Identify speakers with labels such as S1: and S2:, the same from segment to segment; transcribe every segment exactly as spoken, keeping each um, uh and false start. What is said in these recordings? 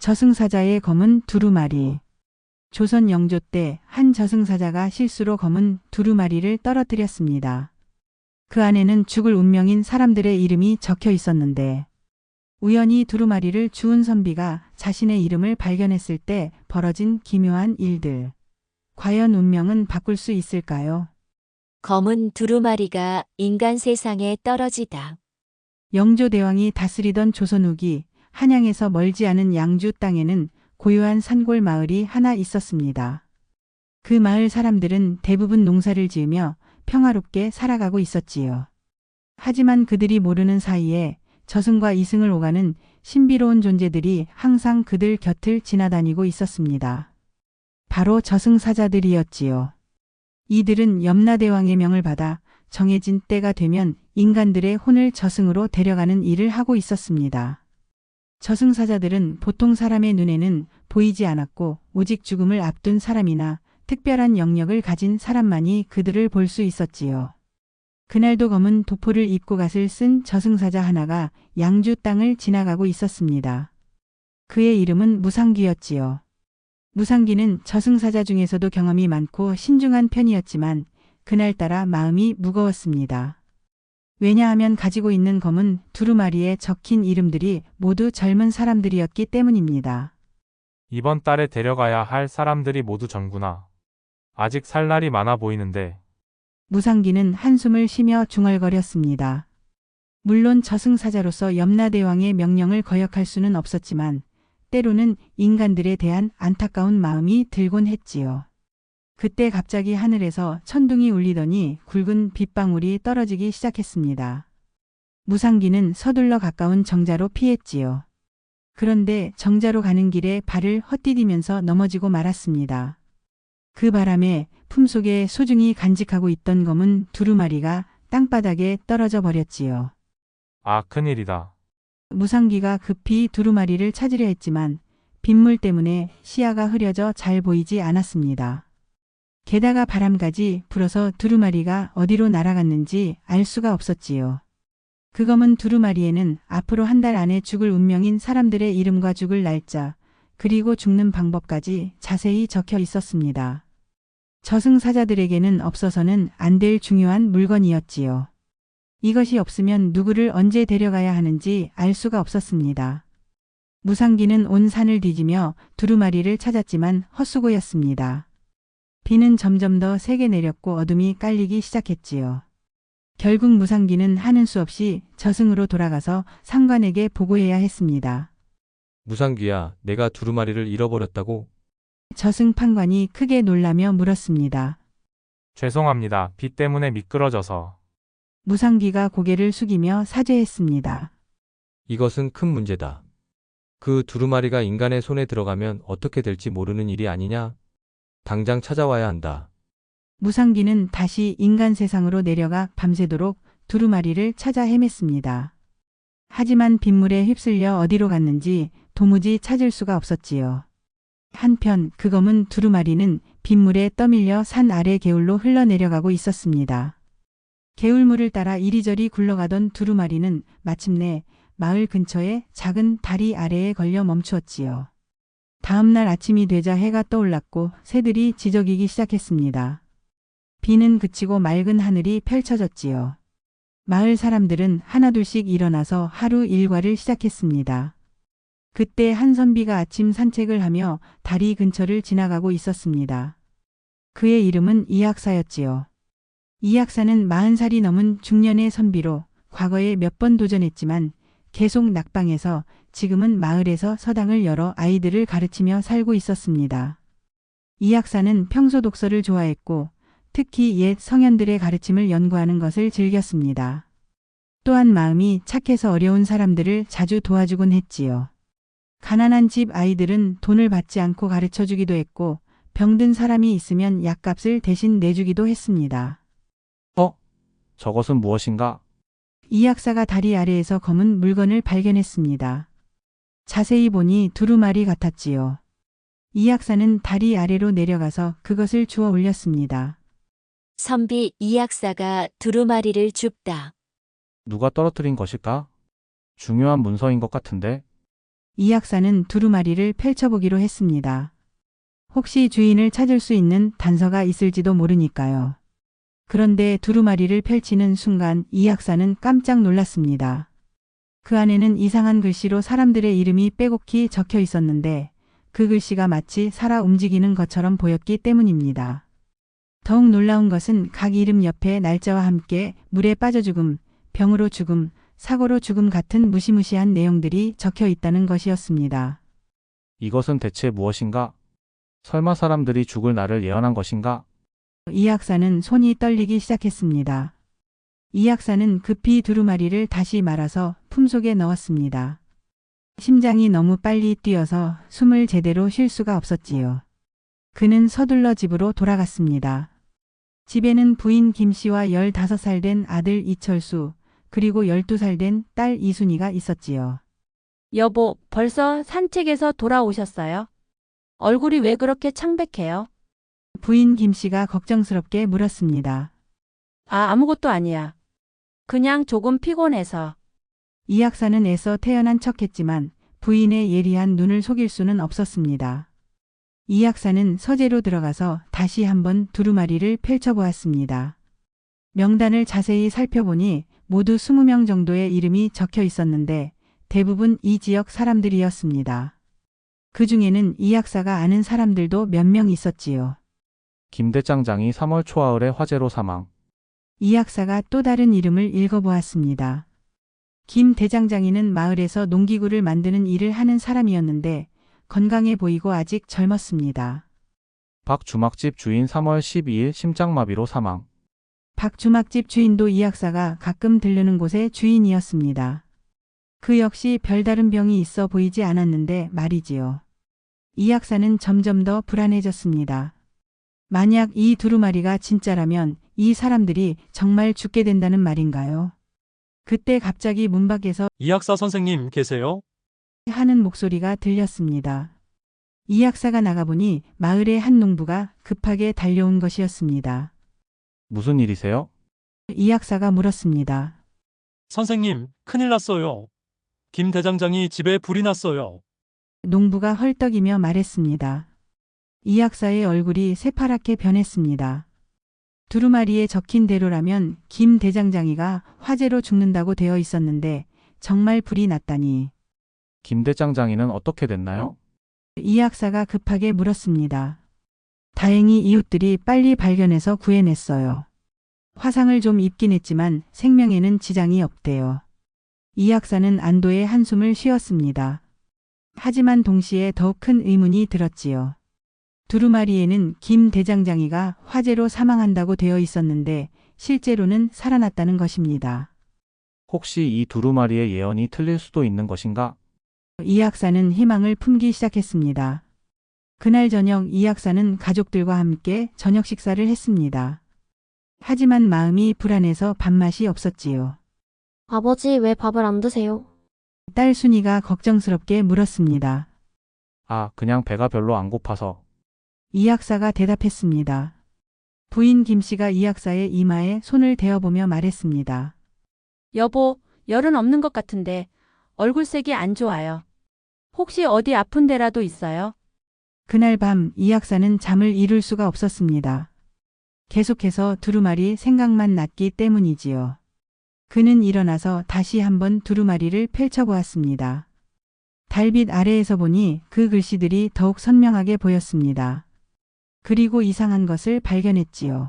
S1: 저승사자의 검은 두루마리. 조선 영조 때 한 저승사자가 실수로 검은 두루마리를 떨어뜨렸습니다. 그 안에는 죽을 운명인 사람들의 이름이 적혀 있었는데 우연히 두루마리를 주운 선비가 자신의 이름을 발견했을 때 벌어진 기묘한 일들. 과연 운명은 바꿀 수 있을까요?
S2: 검은 두루마리가 인간 세상에 떨어지다.
S1: 영조대왕이 다스리던 조선 후기 한양에서 멀지 않은 양주 땅에는 고요한 산골 마을이 하나 있었습니다. 그 마을 사람들은 대부분 농사를 지으며 평화롭게 살아가고 있었지요. 하지만 그들이 모르는 사이에 저승과 이승을 오가는 신비로운 존재들이 항상 그들 곁을 지나다니고 있었습니다. 바로 저승사자들이었지요. 이들은 염라대왕의 명을 받아 정해진 때가 되면 인간들의 혼을 저승으로 데려가는 일을 하고 있었습니다. 저승사자들은 보통 사람의 눈에는 보이지 않았고 오직 죽음을 앞둔 사람이나 특별한 영역을 가진 사람만이 그들을 볼 수 있었지요. 그날도 검은 도포를 입고 갓을 쓴 저승사자 하나가 양주 땅을 지나가고 있었습니다. 그의 이름은 무상귀였지요. 무상귀는 저승사자 중에서도 경험이 많고 신중한 편이었지만 그날따라 마음이 무거웠습니다. 왜냐하면 가지고 있는 검은 두루마리에 적힌 이름들이 모두 젊은 사람들이었기 때문입니다.
S3: 이번 달에 데려가야 할 사람들이 모두 젊구나. 아직 살 날이 많아 보이는데.
S1: 무상귀는 한숨을 쉬며 중얼거렸습니다. 물론 저승사자로서 염라대왕의 명령을 거역할 수는 없었지만 때로는 인간들에 대한 안타까운 마음이 들곤 했지요. 그때 갑자기 하늘에서 천둥이 울리더니 굵은 빗방울이 떨어지기 시작했습니다. 무상귀는 서둘러 가까운 정자로 피했지요. 그런데 정자로 가는 길에 발을 헛디디면서 넘어지고 말았습니다. 그 바람에 품속에 소중히 간직하고 있던 검은 두루마리가 땅바닥에 떨어져 버렸지요.
S3: 아, 큰일이다.
S1: 무상귀가 급히 두루마리를 찾으려 했지만 빗물 때문에 시야가 흐려져 잘 보이지 않았습니다. 게다가 바람까지 불어서 두루마리가 어디로 날아갔는지 알 수가 없었지요. 그 검은 두루마리에는 앞으로 한 달 안에 죽을 운명인 사람들의 이름과 죽을 날짜, 그리고 죽는 방법까지 자세히 적혀 있었습니다. 저승사자들에게는 없어서는 안 될 중요한 물건이었지요. 이것이 없으면 누구를 언제 데려가야 하는지 알 수가 없었습니다. 무상귀는 온 산을 뒤지며 두루마리를 찾았지만 헛수고였습니다. 비는 점점 더 세게 내렸고 어둠이 깔리기 시작했지요. 결국 무상귀는 하는 수 없이 저승으로 돌아가서 상관에게 보고해야 했습니다.
S4: 무상귀야, 내가 두루마리를 잃어버렸다고?
S1: 저승 판관이 크게 놀라며 물었습니다.
S3: 죄송합니다. 비 때문에 미끄러져서.
S1: 무상귀가 고개를 숙이며 사죄했습니다.
S4: 이것은 큰 문제다. 그 두루마리가 인간의 손에 들어가면 어떻게 될지 모르는 일이 아니냐? 당장 찾아와야 한다.
S1: 무상귀는 다시 인간 세상으로 내려가 밤새도록 두루마리를 찾아 헤맸습니다. 하지만 빗물에 휩쓸려 어디로 갔는지 도무지 찾을 수가 없었지요. 한편 그 검은 두루마리는 빗물에 떠밀려 산 아래 개울로 흘러내려가고 있었습니다. 개울물을 따라 이리저리 굴러가던 두루마리는 마침내 마을 근처의 작은 다리 아래에 걸려 멈추었지요. 다음 날 아침이 되자 해가 떠올랐고 새들이 지저귀기 시작했습니다. 비는 그치고 맑은 하늘이 펼쳐졌지요. 마을 사람들은 하나둘씩 일어나서 하루 일과를 시작했습니다. 그때 한 선비가 아침 산책을 하며 다리 근처를 지나가고 있었습니다. 그의 이름은 이학사였지요. 이학사는 마흔 살이 넘은 중년의 선비로 과거에 몇 번 도전했지만 계속 낙방해서 지금은 마을에서 서당을 열어 아이들을 가르치며 살고 있었습니다. 이학사는 평소 독서를 좋아했고 특히 옛 성현들의 가르침을 연구하는 것을 즐겼습니다. 또한 마음이 착해서 어려운 사람들을 자주 도와주곤 했지요. 가난한 집 아이들은 돈을 받지 않고 가르쳐주기도 했고 병든 사람이 있으면 약값을 대신 내주기도 했습니다.
S5: 어? 저것은 무엇인가?
S1: 이학사가 다리 아래에서 검은 물건을 발견했습니다. 자세히 보니 두루마리 같았지요. 이학사는 다리 아래로 내려가서 그것을 주워 올렸습니다.
S2: 선비 이학사가 두루마리를 줍다.
S5: 누가 떨어뜨린 것일까? 중요한 문서인 것 같은데?
S1: 이 약사는 두루마리를 펼쳐보기로 했습니다. 혹시 주인을 찾을 수 있는 단서가 있을지도 모르니까요. 그런데 두루마리를 펼치는 순간 이 약사는 깜짝 놀랐습니다. 그 안에는 이상한 글씨로 사람들의 이름이 빼곡히 적혀 있었는데 그 글씨가 마치 살아 움직이는 것처럼 보였기 때문입니다. 더욱 놀라운 것은 각 이름 옆에 날짜와 함께 물에 빠져 죽음, 병으로 죽음, 사고로 죽음 같은 무시무시한 내용들이 적혀 있다는 것이었습니다.
S5: 이것은 대체 무엇인가? 설마 사람들이 죽을 날을 예언한 것인가?
S1: 이 약사는 손이 떨리기 시작했습니다. 이 약사는 급히 두루마리를 다시 말아서 품속에 넣었습니다. 심장이 너무 빨리 뛰어서 숨을 제대로 쉴 수가 없었지요. 그는 서둘러 집으로 돌아갔습니다. 집에는 부인 김 씨와 열다섯 살 된 아들 이철수, 그리고 열두 살 된 딸 이순이가 있었지요.
S6: 여보, 벌써 산책에서 돌아오셨어요? 얼굴이 왜 그렇게 창백해요?
S1: 부인 김 씨가 걱정스럽게 물었습니다.
S6: 아, 아무것도 아니야. 그냥 조금 피곤해서.
S1: 이 약사는 애써 태어난 척했지만 부인의 예리한 눈을 속일 수는 없었습니다. 이 약사는 서재로 들어가서 다시 한번 두루마리를 펼쳐보았습니다. 명단을 자세히 살펴보니 모두 이십 명 정도의 이름이 적혀 있었는데 대부분 이 지역 사람들이었습니다. 그 중에는 이 약사가 아는 사람들도 몇 명 있었지요.
S5: 김 대장장이 삼월 초하을에 화재로 사망.
S1: 이 약사가 또 다른 이름을 읽어보았습니다. 김 대장장이는 마을에서 농기구를 만드는 일을 하는 사람이었는데 건강해 보이고 아직 젊었습니다.
S5: 박 주막집 주인 삼월 십이일 심장마비로 사망.
S1: 박 주막집 주인도 이 약사가 가끔 들르는 곳의 주인이었습니다. 그 역시 별다른 병이 있어 보이지 않았는데 말이지요. 이 약사는 점점 더 불안해졌습니다. 만약 이 두루마리가 진짜라면 이 사람들이 정말 죽게 된다는 말인가요? 그때 갑자기 문 밖에서
S7: 이 약사 선생님 계세요?
S1: 하는 목소리가 들렸습니다. 이 약사가 나가보니 마을의 한 농부가 급하게 달려온 것이었습니다.
S5: 무슨 일이세요?
S1: 이 약사가 물었습니다.
S7: 선생님, 큰일 났어요. 김 대장장이 집에 불이 났어요.
S1: 농부가 헐떡이며 말했습니다. 이 약사의 얼굴이 새파랗게 변했습니다. 두루마리에 적힌 대로라면 김 대장장이가 화재로 죽는다고 되어 있었는데 정말 불이 났다니.
S5: 김 대장장이는 어떻게 됐나요?
S1: 이 약사가 급하게 물었습니다. 다행히 이웃들이 빨리 발견해서 구해냈어요. 화상을 좀 입긴 했지만 생명에는 지장이 없대요. 이 약사는 안도의 한숨을 쉬었습니다. 하지만 동시에 더욱 큰 의문이 들었지요. 두루마리에는 김 대장장이가 화재로 사망한다고 되어 있었는데 실제로는 살아났다는 것입니다.
S5: 혹시 이 두루마리의 예언이 틀릴 수도 있는 것인가?
S1: 이 약사는 희망을 품기 시작했습니다. 그날 저녁 이 약사는 가족들과 함께 저녁 식사를 했습니다. 하지만 마음이 불안해서 밥맛이 없었지요.
S8: 아버지, 왜 밥을 안 드세요?
S1: 딸 순이가 걱정스럽게 물었습니다.
S5: 아, 그냥 배가 별로 안 고파서.
S1: 이 약사가 대답했습니다. 부인 김 씨가 이 약사의 이마에 손을 대어보며 말했습니다.
S6: 여보, 열은 없는 것 같은데 얼굴색이 안 좋아요. 혹시 어디 아픈 데라도 있어요?
S1: 그날 밤 이 약사는 잠을 이룰 수가 없었습니다. 계속해서 두루마리 생각만 났기 때문이지요. 그는 일어나서 다시 한번 두루마리를 펼쳐보았습니다. 달빛 아래에서 보니 그 글씨들이 더욱 선명하게 보였습니다. 그리고 이상한 것을 발견했지요.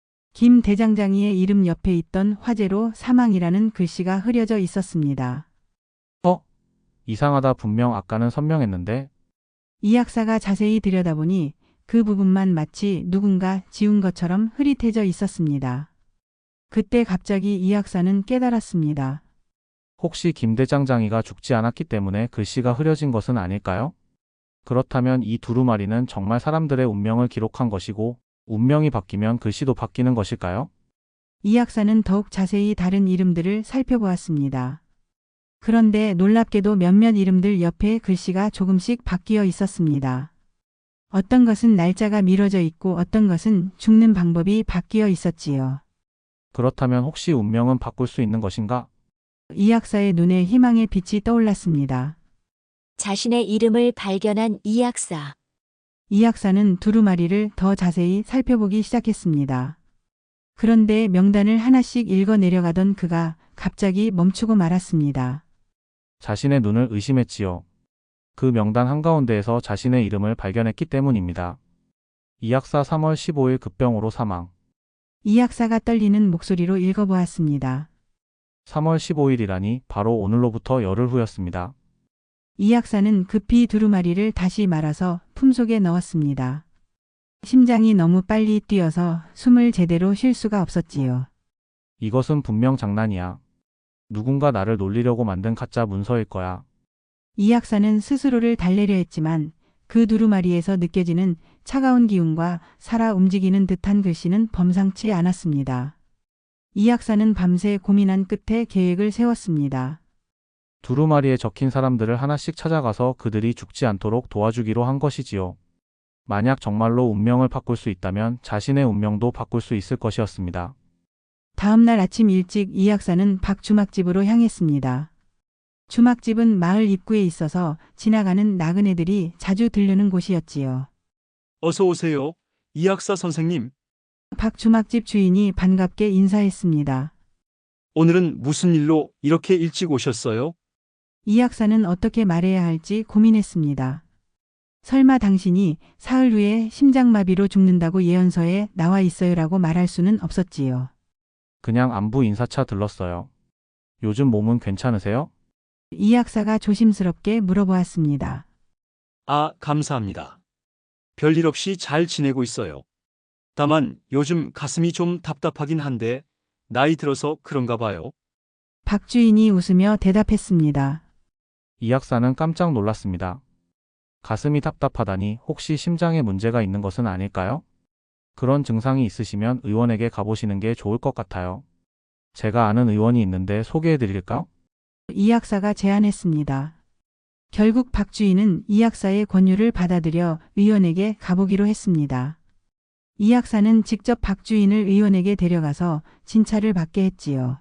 S1: 김 대장장이의 이름 옆에 있던 화재로 사망이라는 글씨가 흐려져 있었습니다.
S5: 어? 이상하다. 분명 아까는 선명했는데.
S1: 이 약사가 자세히 들여다보니 그 부분만 마치 누군가 지운 것처럼 흐릿해져 있었습니다. 그때 갑자기 이 약사는 깨달았습니다.
S5: 혹시 김 대장장이가 죽지 않았기 때문에 글씨가 흐려진 것은 아닐까요? 그렇다면 이 두루마리는 정말 사람들의 운명을 기록한 것이고 운명이 바뀌면 글씨도 바뀌는 것일까요?
S1: 이 약사는 더욱 자세히 다른 이름들을 살펴보았습니다. 그런데 놀랍게도 몇몇 이름들 옆에 글씨가 조금씩 바뀌어 있었습니다. 어떤 것은 날짜가 미뤄져 있고 어떤 것은 죽는 방법이 바뀌어 있었지요.
S5: 그렇다면 혹시 운명은 바꿀 수 있는 것인가?
S1: 이 약사의 눈에 희망의 빛이 떠올랐습니다.
S2: 자신의 이름을 발견한 이 약사.
S1: 이 약사는 두루마리를 더 자세히 살펴보기 시작했습니다. 그런데 명단을 하나씩 읽어 내려가던 그가 갑자기 멈추고 말았습니다.
S5: 자신의 눈을 의심했지요. 그 명단 한가운데에서 자신의 이름을 발견했기 때문입니다. 이 약사 삼월 십오일 급병으로 사망.
S1: 이 약사가 떨리는 목소리로 읽어보았습니다.
S5: 삼월 십오일이라니 바로 오늘로부터 열흘 후였습니다.
S1: 이 약사는 급히 두루마리를 다시 말아서 품속에 넣었습니다. 심장이 너무 빨리 뛰어서 숨을 제대로 쉴 수가 없었지요.
S5: 이것은 분명 장난이야. 누군가 나를 놀리려고 만든 가짜 문서일 거야.
S1: 이 약사는 스스로를 달래려 했지만 그 두루마리에서 느껴지는 차가운 기운과 살아 움직이는 듯한 글씨는 범상치 않았습니다. 이 약사는 밤새 고민한 끝에 계획을 세웠습니다.
S5: 두루마리에 적힌 사람들을 하나씩 찾아가서 그들이 죽지 않도록 도와주기로 한 것이지요. 만약 정말로 운명을 바꿀 수 있다면 자신의 운명도 바꿀 수 있을 것이었습니다.
S1: 다음 날 아침 일찍 이 약사는 박 주막집으로 향했습니다. 주막집은 마을 입구에 있어서 지나가는 나그네들이 자주 들르는 곳이었지요.
S7: 어서 오세요. 이 약사 선생님.
S1: 박 주막집 주인이 반갑게 인사했습니다.
S7: 오늘은 무슨 일로 이렇게 일찍 오셨어요?
S1: 이 약사는 어떻게 말해야 할지 고민했습니다. 설마 당신이 사흘 후에 심장마비로 죽는다고 예언서에 나와 있어요라고 말할 수는 없었지요.
S5: 그냥 안부 인사차 들렀어요. 요즘 몸은 괜찮으세요?
S1: 이 약사가 조심스럽게 물어보았습니다.
S7: 아, 감사합니다. 별일 없이 잘 지내고 있어요. 다만 요즘 가슴이 좀 답답하긴 한데 나이 들어서 그런가 봐요.
S1: 박 주인이 웃으며 대답했습니다.
S5: 이 약사는 깜짝 놀랐습니다. 가슴이 답답하다니 혹시 심장에 문제가 있는 것은 아닐까요? 그런 증상이 있으시면 의원에게 가보시는 게 좋을 것 같아요. 제가 아는 의원이 있는데 소개해 드릴까요?
S1: 이 약사가 제안했습니다. 결국 박 주인은 이 약사의 권유를 받아들여 의원에게 가보기로 했습니다. 이 약사는 직접 박 주인을 의원에게 데려가서 진찰을 받게 했지요.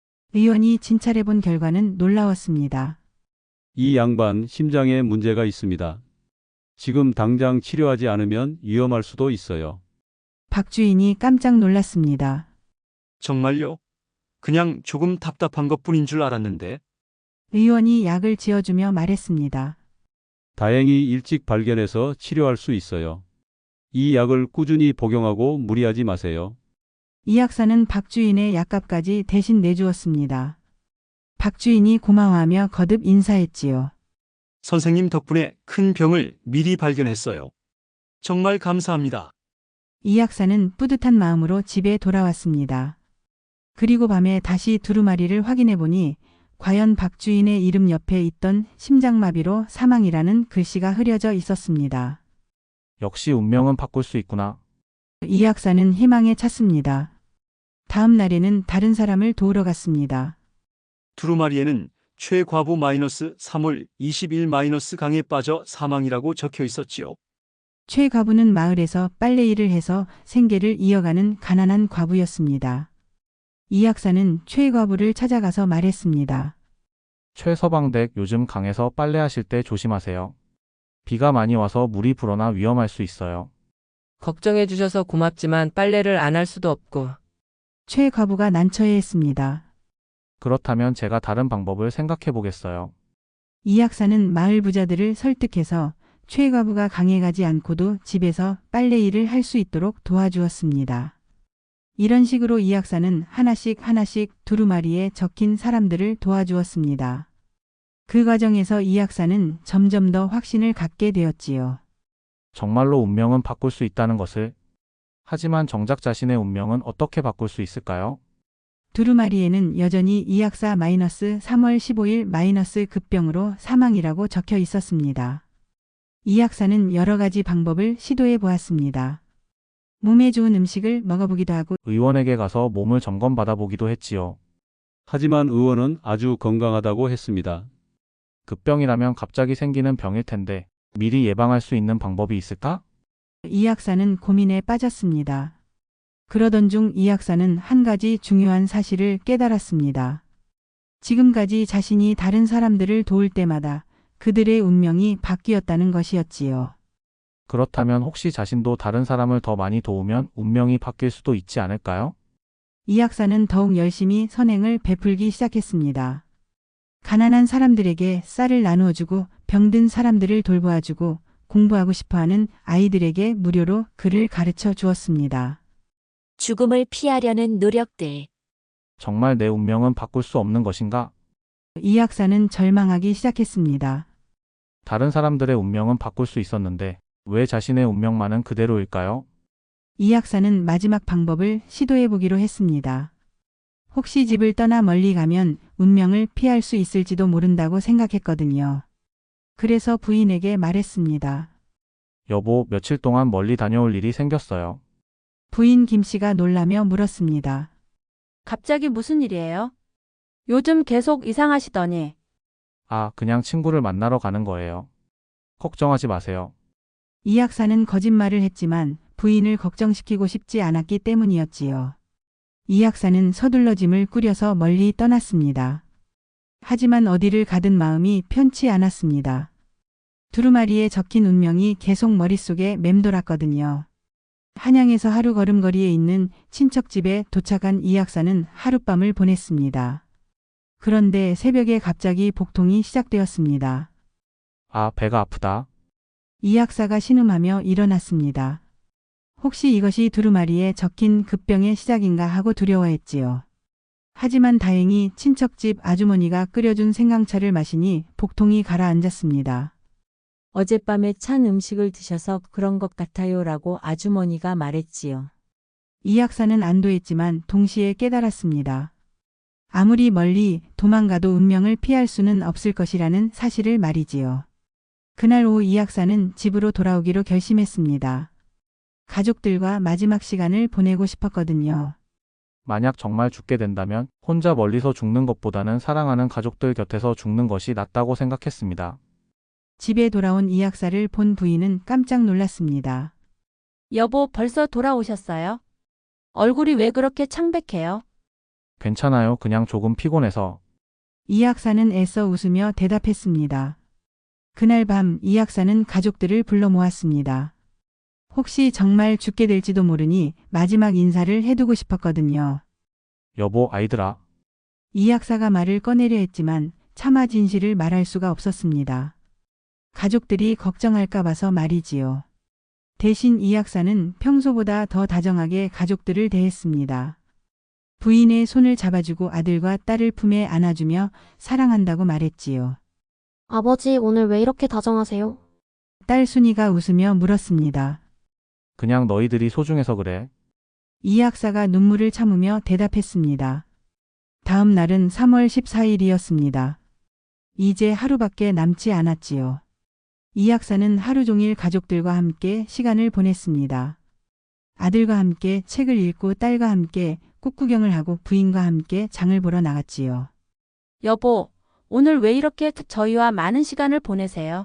S1: 의원이 진찰해 본 결과는 놀라웠습니다.
S9: 이 양반 심장에 문제가 있습니다. 지금 당장 치료하지 않으면 위험할 수도 있어요.
S1: 박 주인이 깜짝 놀랐습니다.
S7: 정말요? 그냥 조금 답답한 것뿐인 줄 알았는데.
S1: 의원이 약을 지어주며 말했습니다.
S9: 다행히 일찍 발견해서 치료할 수 있어요. 이 약을 꾸준히 복용하고 무리하지 마세요.
S1: 이 약사는 박 주인의 약값까지 대신 내주었습니다. 박 주인이 고마워하며 거듭 인사했지요.
S7: 선생님 덕분에 큰 병을 미리 발견했어요. 정말 감사합니다.
S1: 이 약사는 뿌듯한 마음으로 집에 돌아왔습니다. 그리고 밤에 다시 두루마리를 확인해 보니 과연 박 주인의 이름 옆에 있던 심장마비로 사망이라는 글씨가 흐려져 있었습니다.
S5: 역시 운명은 바꿀 수 있구나.
S1: 이 약사는 희망에 찼습니다. 다음 날에는 다른 사람을 도우러 갔습니다.
S7: 두루마리에는 최과부 마이너스 삼월 이십일 마이너스 강에 빠져 사망이라고 적혀 있었지요.
S1: 최 과부는 마을에서 빨래일을 해서 생계를 이어가는 가난한 과부였습니다. 이 약사는 최 과부를 찾아가서 말했습니다.
S5: 최서방댁 요즘 강에서 빨래하실 때 조심하세요. 비가 많이 와서 물이 불어나 위험할 수 있어요.
S10: 걱정해 주셔서 고맙지만 빨래를 안 할 수도 없고.
S1: 최 과부가 난처해했습니다.
S5: 그렇다면 제가 다른 방법을 생각해 보겠어요.
S1: 이 약사는 마을 부자들을 설득해서 최 과부가 강에 가지 않고도 집에서 빨래일을 할 수 있도록 도와주었습니다. 이런 식으로 이 약사는 하나씩 하나씩 두루마리에 적힌 사람들을 도와주었습니다. 그 과정에서 이 약사는 점점 더 확신을 갖게 되었지요.
S5: 정말로 운명은 바꿀 수 있다는 것을. 하지만 정작 자신의 운명은 어떻게 바꿀 수 있을까요?
S1: 두루마리에는 여전히 이 약사 마이너스 삼월 십오일 마이너스 급병으로 사망이라고 적혀 있었습니다. 이 약사는 여러 가지 방법을 시도해 보았습니다. 몸에 좋은 음식을 먹어보기도 하고
S5: 의원에게 가서 몸을 점검받아 보기도 했지요.
S9: 하지만 의원은 아주 건강하다고 했습니다.
S5: 급병이라면 갑자기 생기는 병일 텐데 미리 예방할 수 있는 방법이 있을까?
S1: 이 약사는 고민에 빠졌습니다. 그러던 중 이 약사는 한 가지 중요한 사실을 깨달았습니다. 지금까지 자신이 다른 사람들을 도울 때마다 그들의 운명이 바뀌었다는 것이었지요.
S5: 그렇다면 혹시 자신도 다른 사람을 더 많이 도우면 운명이 바뀔 수도 있지 않을까요?
S1: 이 약사는 더욱 열심히 선행을 베풀기 시작했습니다. 가난한 사람들에게 쌀을 나누어주고 병든 사람들을 돌보아주고 공부하고 싶어하는 아이들에게 무료로 글을 가르쳐 주었습니다.
S2: 죽음을 피하려는 노력들.
S5: 정말 내 운명은 바꿀 수 없는 것인가?
S1: 이 약사는 절망하기 시작했습니다.
S5: 다른 사람들의 운명은 바꿀 수 있었는데 왜 자신의 운명만은 그대로일까요?
S1: 이 약사는 마지막 방법을 시도해 보기로 했습니다. 혹시 집을 떠나 멀리 가면 운명을 피할 수 있을지도 모른다고 생각했거든요. 그래서 부인에게 말했습니다.
S5: 여보, 며칠 동안 멀리 다녀올 일이 생겼어요.
S1: 부인 김 씨가 놀라며 물었습니다.
S6: 갑자기 무슨 일이에요? 요즘 계속 이상하시더니.
S5: 아, 그냥 친구를 만나러 가는 거예요. 걱정하지 마세요.
S1: 이 약사는 거짓말을 했지만 부인을 걱정시키고 싶지 않았기 때문이었지요. 이 약사는 서둘러 짐을 꾸려서 멀리 떠났습니다. 하지만 어디를 가든 마음이 편치 않았습니다. 두루마리에 적힌 운명이 계속 머릿속에 맴돌았거든요. 한양에서 하루 걸음거리에 있는 친척집에 도착한 이 약사는 하룻밤을 보냈습니다. 그런데 새벽에 갑자기 복통이 시작되었습니다.
S5: 아, 배가 아프다.
S1: 이 약사가 신음하며 일어났습니다. 혹시 이것이 두루마리에 적힌 급병의 시작인가 하고 두려워했지요. 하지만 다행히 친척집 아주머니가 끓여준 생강차를 마시니 복통이 가라앉았습니다.
S11: 어젯밤에 찬 음식을 드셔서 그런 것 같아요라고 아주머니가 말했지요.
S1: 이 약사는 안도했지만 동시에 깨달았습니다. 아무리 멀리 도망가도 운명을 피할 수는 없을 것이라는 사실을 말이지요. 그날 오후 이 약사는 집으로 돌아오기로 결심했습니다. 가족들과 마지막 시간을 보내고 싶었거든요.
S5: 만약 정말 죽게 된다면 혼자 멀리서 죽는 것보다는 사랑하는 가족들 곁에서 죽는 것이 낫다고 생각했습니다.
S1: 집에 돌아온 이 약사를 본 부인은 깜짝 놀랐습니다.
S6: 여보, 벌써 돌아오셨어요? 얼굴이 왜 그렇게 창백해요?
S5: 괜찮아요. 그냥 조금 피곤해서.
S1: 이 약사는 애써 웃으며 대답했습니다. 그날 밤 이 약사는 가족들을 불러 모았습니다. 혹시 정말 죽게 될지도 모르니 마지막 인사를 해두고 싶었거든요.
S5: 여보, 아이들아.
S1: 이 약사가 말을 꺼내려 했지만 차마 진실을 말할 수가 없었습니다. 가족들이 걱정할까 봐서 말이지요. 대신 이 약사는 평소보다 더 다정하게 가족들을 대했습니다. 부인의 손을 잡아주고 아들과 딸을 품에 안아주며 사랑한다고 말했지요.
S8: 아버지, 오늘 왜 이렇게 다정하세요?
S1: 딸 순이가 웃으며 물었습니다.
S5: 그냥 너희들이 소중해서 그래.
S1: 이 약사가 눈물을 참으며 대답했습니다. 다음 날은 삼월 십사일이었습니다. 이제 하루밖에 남지 않았지요. 이 약사는 하루 종일 가족들과 함께 시간을 보냈습니다. 아들과 함께 책을 읽고 딸과 함께 꽃구경을 하고 부인과 함께 장을 보러 나갔지요.
S6: 여보, 오늘 왜 이렇게 저희와 많은 시간을 보내세요?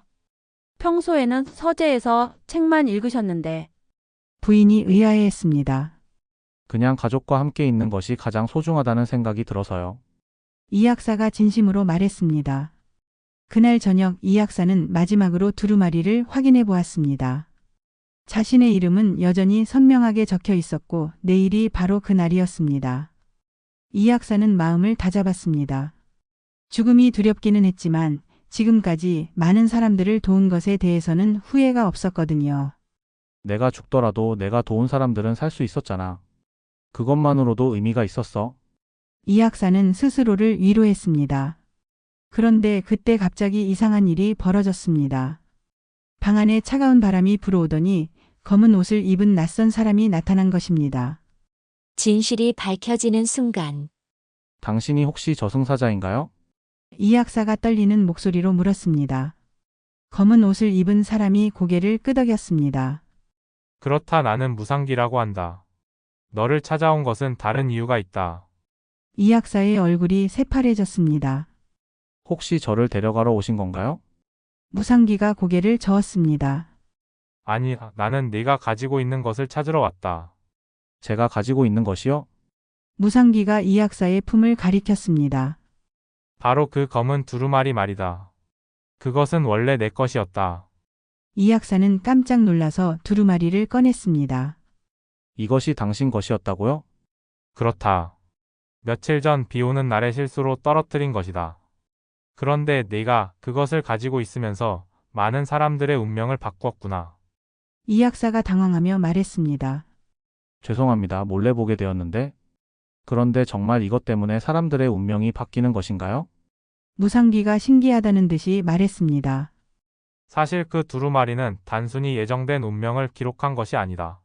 S6: 평소에는 서재에서 책만 읽으셨는데.
S1: 부인이 의아해했습니다.
S5: 그냥 가족과 함께 있는 것이 가장 소중하다는 생각이 들어서요.
S1: 이 약사가 진심으로 말했습니다. 그날 저녁 이 약사는 마지막으로 두루마리를 확인해 보았습니다. 자신의 이름은 여전히 선명하게 적혀 있었고 내일이 바로 그날이었습니다. 이 약사는 마음을 다잡았습니다. 죽음이 두렵기는 했지만 지금까지 많은 사람들을 도운 것에 대해서는 후회가 없었거든요.
S5: 내가 죽더라도 내가 도운 사람들은 살 수 있었잖아. 그것만으로도 의미가 있었어.
S1: 이 약사는 스스로를 위로했습니다. 그런데 그때 갑자기 이상한 일이 벌어졌습니다. 방 안에 차가운 바람이 불어오더니 검은 옷을 입은 낯선 사람이 나타난 것입니다.
S2: 진실이 밝혀지는 순간.
S5: 당신이 혹시 저승사자인가요?
S1: 이 약사가 떨리는 목소리로 물었습니다. 검은 옷을 입은 사람이 고개를 끄덕였습니다.
S3: 그렇다, 나는 무상기라고 한다. 너를 찾아온 것은 다른 이유가 있다.
S1: 이 약사의 얼굴이 새파래졌습니다.
S5: 혹시 저를 데려가러 오신 건가요?
S1: 무상기가 고개를 저었습니다.
S3: 아니, 나는 네가 가지고 있는 것을 찾으러 왔다.
S5: 제가 가지고 있는 것이요?
S1: 무상기가 이 약사의 품을 가리켰습니다.
S3: 바로 그 검은 두루마리 말이다. 그것은 원래 내 것이었다.
S1: 이 약사는 깜짝 놀라서 두루마리를 꺼냈습니다.
S5: 이것이 당신 것이었다고요?
S3: 그렇다. 며칠 전 비 오는 날에 실수로 떨어뜨린 것이다. 그런데 네가 그것을 가지고 있으면서 많은 사람들의 운명을 바꾸었구나.
S1: 이 약사가 당황하며 말했습니다.
S5: 죄송합니다. 몰래 보게 되었는데. 그런데 정말 이것 때문에 사람들의 운명이 바뀌는 것인가요?
S1: 무상귀가 신기하다는 듯이 말했습니다.
S3: 사실 그 두루마리는 단순히 예정된 운명을 기록한 것이 아니다.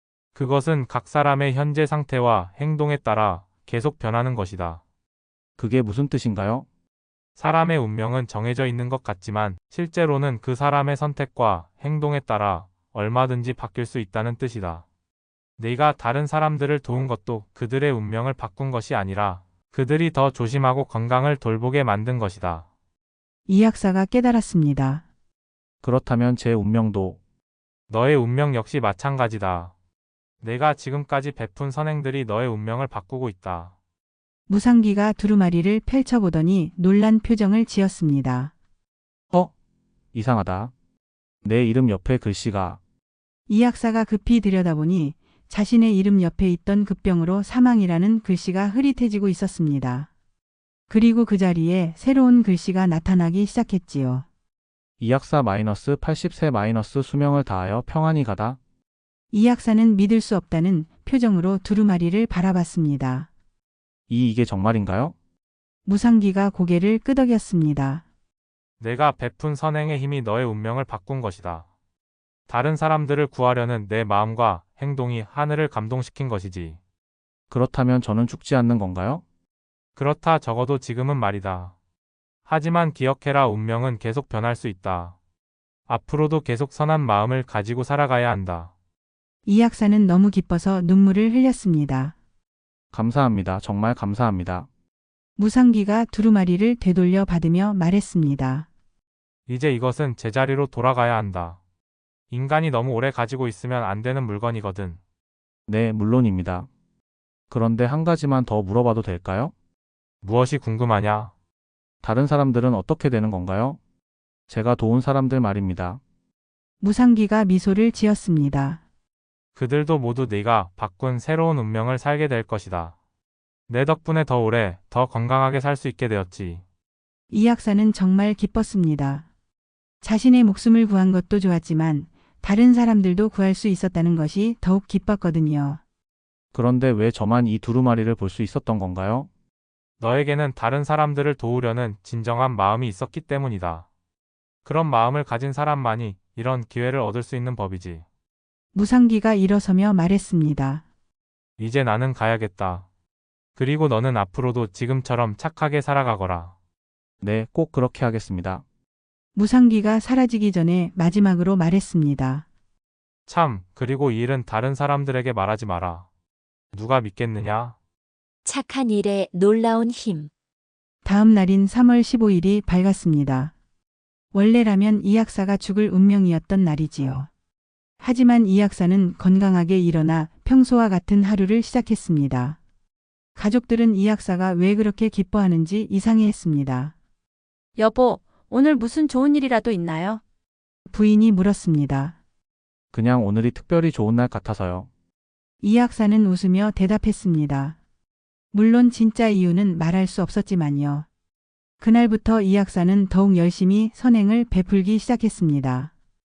S3: 그것은 각 사람의 현재 상태와 행동에 따라 계속 변하는 것이다.
S5: 그게 무슨 뜻인가요?
S3: 사람의 운명은 정해져 있는 것 같지만 실제로는 그 사람의 선택과 행동에 따라 얼마든지 바뀔 수 있다는 뜻이다. 네가 다른 사람들을 도운 것도 그들의 운명을 바꾼 것이 아니라 그들이 더 조심하고 건강을 돌보게 만든 것이다.
S1: 이 약사가 깨달았습니다.
S5: 그렇다면 제 운명도
S3: 너의 운명 역시 마찬가지다. 내가 지금까지 베푼 선행들이 너의 운명을 바꾸고 있다.
S1: 무상귀가 두루마리를 펼쳐보더니 놀란 표정을 지었습니다.
S5: 어? 이상하다. 내 이름 옆에 글씨가
S1: 이 약사가 급히 들여다보니 자신의 이름 옆에 있던 급병으로 사망이라는 글씨가 흐릿해지고 있었습니다. 그리고 그 자리에 새로운 글씨가 나타나기 시작했지요.
S5: 이 약사 마이너스 팔십 세 마이너스 수명을 다하여 평안히 가다.
S1: 이 약사는 믿을 수 없다는 표정으로 두루마리를 바라봤습니다.
S5: 이 이게 정말인가요?
S1: 무상귀가 고개를 끄덕였습니다.
S3: 내가 베푼 선행의 힘이 너의 운명을 바꾼 것이다. 다른 사람들을 구하려는 내 마음과 행동이 하늘을 감동시킨 것이지.
S5: 그렇다면 저는 죽지 않는 건가요?
S3: 그렇다 적어도 지금은 말이다. 하지만 기억해라 운명은 계속 변할 수 있다. 앞으로도 계속 선한 마음을 가지고 살아가야 한다.
S1: 이 약사는 너무 기뻐서 눈물을 흘렸습니다.
S5: 감사합니다. 정말 감사합니다.
S1: 무상귀가 두루마리를 되돌려 받으며 말했습니다.
S3: 이제 이것은 제자리로 돌아가야 한다. 인간이 너무 오래 가지고 있으면 안 되는 물건이거든.
S5: 네, 물론입니다. 그런데 한 가지만 더 물어봐도 될까요?
S3: 무엇이 궁금하냐?
S5: 다른 사람들은 어떻게 되는 건가요? 제가 도운 사람들 말입니다.
S1: 무상귀가 미소를 지었습니다.
S3: 그들도 모두 네가 바꾼 새로운 운명을 살게 될 것이다. 내 덕분에 더 오래, 더 건강하게 살 수 있게 되었지.
S1: 이 약사는 정말 기뻤습니다. 자신의 목숨을 구한 것도 좋았지만 다른 사람들도 구할 수 있었다는 것이 더욱 기뻤거든요.
S5: 그런데 왜 저만 이 두루마리를 볼 수 있었던 건가요?
S3: 너에게는 다른 사람들을 도우려는 진정한 마음이 있었기 때문이다. 그런 마음을 가진 사람만이 이런 기회를 얻을 수 있는 법이지.
S1: 무상귀가 일어서며 말했습니다.
S3: 이제 나는 가야겠다. 그리고 너는 앞으로도 지금처럼 착하게 살아가거라.
S5: 네, 꼭 그렇게 하겠습니다.
S1: 무상귀가 사라지기 전에 마지막으로 말했습니다.
S3: 참, 그리고 이 일은 다른 사람들에게 말하지 마라. 누가 믿겠느냐?
S2: 착한 일에 놀라운 힘.
S1: 다음 날인 삼월 십오일이 밝았습니다. 원래라면 이 약사가 죽을 운명이었던 날이지요. 하지만 이 약사는 건강하게 일어나 평소와 같은 하루를 시작했습니다. 가족들은 이 약사가 왜 그렇게 기뻐하는지 이상해했습니다.
S6: 여보, 오늘 무슨 좋은 일이라도 있나요?
S1: 부인이 물었습니다.
S5: 그냥 오늘이 특별히 좋은 날 같아서요.
S1: 이 약사는 웃으며 대답했습니다. 물론 진짜 이유는 말할 수 없었지만요. 그날부터 이 약사는 더욱 열심히 선행을 베풀기 시작했습니다.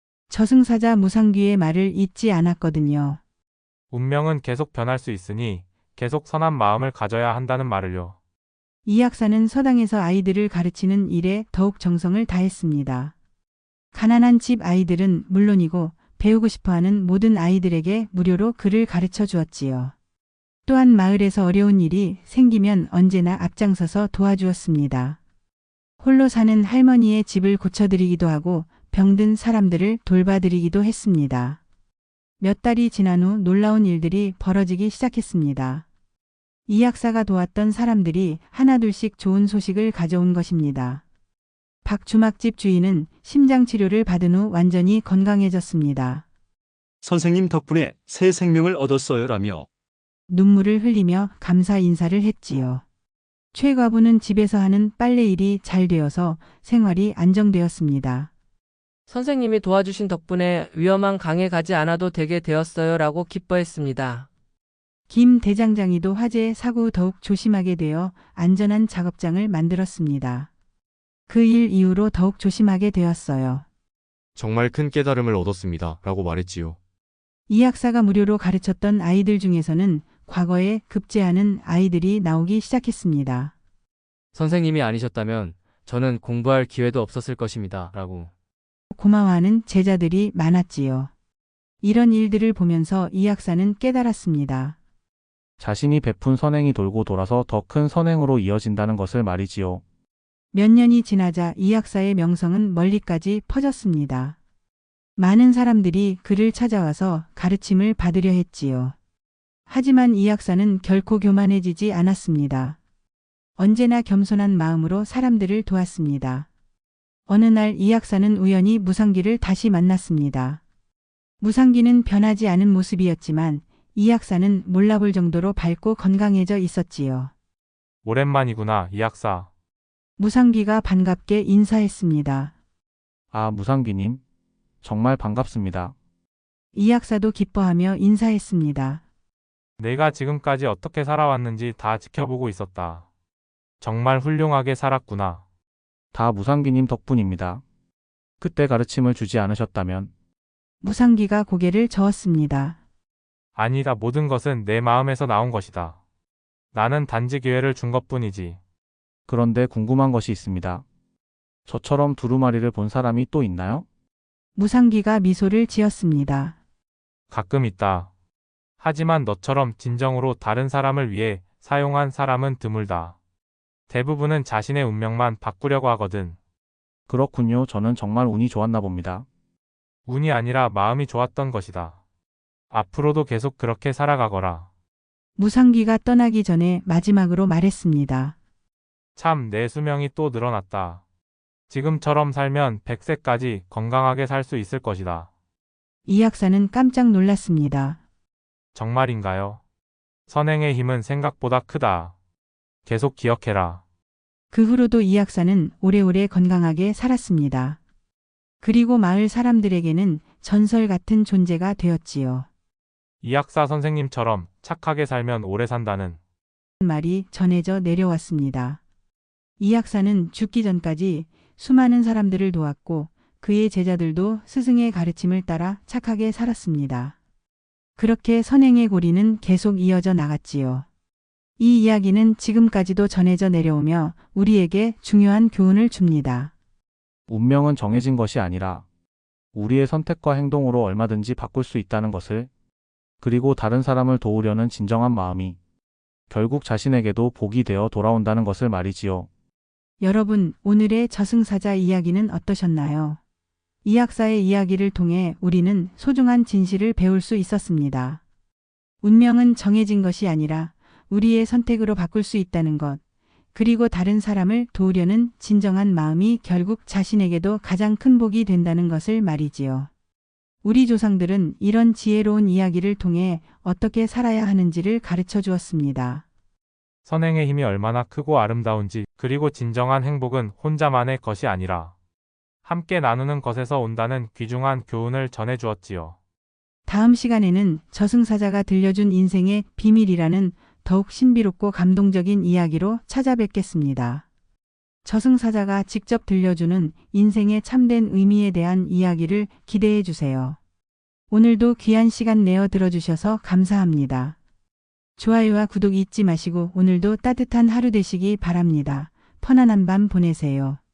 S1: 저승사자 무상귀의 말을 잊지 않았거든요.
S3: 운명은 계속 변할 수 있으니 계속 선한 마음을 가져야 한다는 말을요.
S1: 이 약사는 서당에서 아이들을 가르치는 일에 더욱 정성을 다했습니다. 가난한 집 아이들은 물론이고 배우고 싶어하는 모든 아이들에게 무료로 글을 가르쳐 주었지요. 또한 마을에서 어려운 일이 생기면 언제나 앞장서서 도와주었습니다. 홀로 사는 할머니의 집을 고쳐드리기도 하고 병든 사람들을 돌봐드리기도 했습니다. 몇 달이 지난 후 놀라운 일들이 벌어지기 시작했습니다. 이 약사가 도왔던 사람들이 하나둘씩 좋은 소식을 가져온 것입니다. 박주막집 주인은 심장치료를 받은 후 완전히 건강해졌습니다.
S7: 선생님 덕분에 새 생명을 얻었어요라며
S1: 눈물을 흘리며 감사 인사를 했지요. 최 과부는 집에서 하는 빨래 일이 잘 되어서 생활이 안정되었습니다.
S10: 선생님이 도와주신 덕분에 위험한 강에 가지 않아도 되게 되었어요 라고 기뻐했습니다.
S1: 김 대장장이도 화재 사고 후 더욱 조심하게 되어 안전한 작업장을 만들었습니다. 그 일 이후로 더욱 조심하게 되었어요.
S12: 정말 큰 깨달음을 얻었습니다. 라고 말했지요.
S1: 이 약사가 무료로 가르쳤던 아이들 중에서는 과거에 급제하는 아이들이 나오기 시작했습니다.
S10: 선생님이 아니셨다면 저는 공부할 기회도 없었을 것입니다. 라고.
S1: 고마워하는 제자들이 많았지요. 이런 일들을 보면서 이 약사는 깨달았습니다.
S5: 자신이 베푼 선행이 돌고 돌아서 더 큰 선행으로 이어진다는 것을 말이지요.
S1: 몇 년이 지나자 이 약사의 명성은 멀리까지 퍼졌습니다. 많은 사람들이 그를 찾아와서 가르침을 받으려 했지요. 하지만 이 약사는 결코 교만해지지 않았습니다. 언제나 겸손한 마음으로 사람들을 도왔습니다. 어느 날 이 약사는 우연히 무상기를 다시 만났습니다. 무상기는 변하지 않은 모습이었지만 이 약사는 몰라볼 정도로 밝고 건강해져 있었지요.
S3: 오랜만이구나, 이 약사.
S1: 무상기가 반갑게 인사했습니다.
S5: 아, 무상기님. 정말 반갑습니다.
S1: 이 약사도 기뻐하며 인사했습니다.
S3: 내가 지금까지 어떻게 살아왔는지 다 지켜보고 있었다. 정말 훌륭하게 살았구나.
S5: 다 무상기님 덕분입니다. 그때 가르침을 주지 않으셨다면
S1: 무상기가 고개를 저었습니다.
S3: 아니다, 모든 것은 내 마음에서 나온 것이다. 나는 단지 기회를 준 것뿐이지.
S5: 그런데 궁금한 것이 있습니다. 저처럼 두루마리를 본 사람이 또 있나요?
S1: 무상기가 미소를 지었습니다.
S3: 가끔 있다. 하지만 너처럼 진정으로 다른 사람을 위해 사용한 사람은 드물다. 대부분은 자신의 운명만 바꾸려고 하거든.
S5: 그렇군요. 저는 정말 운이 좋았나 봅니다.
S3: 운이 아니라 마음이 좋았던 것이다. 앞으로도 계속 그렇게 살아가거라.
S1: 무상기가 떠나기 전에 마지막으로 말했습니다.
S3: 참, 내 수명이 또 늘어났다. 지금처럼 살면 백 세까지 건강하게 살 수 있을 것이다.
S1: 이 약사는 깜짝 놀랐습니다.
S3: 정말인가요? 선행의 힘은 생각보다 크다. 계속 기억해라.
S1: 그 후로도 이 약사는 오래오래 건강하게 살았습니다. 그리고 마을 사람들에게는 전설 같은 존재가 되었지요.
S3: 이 약사 선생님처럼 착하게 살면 오래 산다는
S1: 말이 전해져 내려왔습니다. 이 약사는 죽기 전까지 수많은 사람들을 도왔고 그의 제자들도 스승의 가르침을 따라 착하게 살았습니다. 그렇게 선행의 고리는 계속 이어져 나갔지요. 이 이야기는 지금까지도 전해져 내려오며 우리에게 중요한 교훈을 줍니다.
S5: 운명은 정해진 것이 아니라 우리의 선택과 행동으로 얼마든지 바꿀 수 있다는 것을, 그리고 다른 사람을 도우려는 진정한 마음이 결국 자신에게도 복이 되어 돌아온다는 것을 말이지요.
S1: 여러분, 오늘의 저승사자 이야기는 어떠셨나요? 이 약사의 이야기를 통해 우리는 소중한 진실을 배울 수 있었습니다. 운명은 정해진 것이 아니라 우리의 선택으로 바꿀 수 있다는 것, 그리고 다른 사람을 도우려는 진정한 마음이 결국 자신에게도 가장 큰 복이 된다는 것을 말이지요. 우리 조상들은 이런 지혜로운 이야기를 통해 어떻게 살아야 하는지를 가르쳐 주었습니다.
S3: 선행의 힘이 얼마나 크고 아름다운지, 그리고 진정한 행복은 혼자만의 것이 아니라 함께 나누는 것에서 온다는 귀중한 교훈을 전해 주었지요.
S1: 다음 시간에는 저승사자가 들려준 인생의 비밀이라는 더욱 신비롭고 감동적인 이야기로 찾아뵙겠습니다. 저승사자가 직접 들려주는 인생의 참된 의미에 대한 이야기를 기대해 주세요. 오늘도 귀한 시간 내어 들어주셔서 감사합니다. 좋아요와 구독 잊지 마시고 오늘도 따뜻한 하루 되시기 바랍니다. 편안한 밤 보내세요.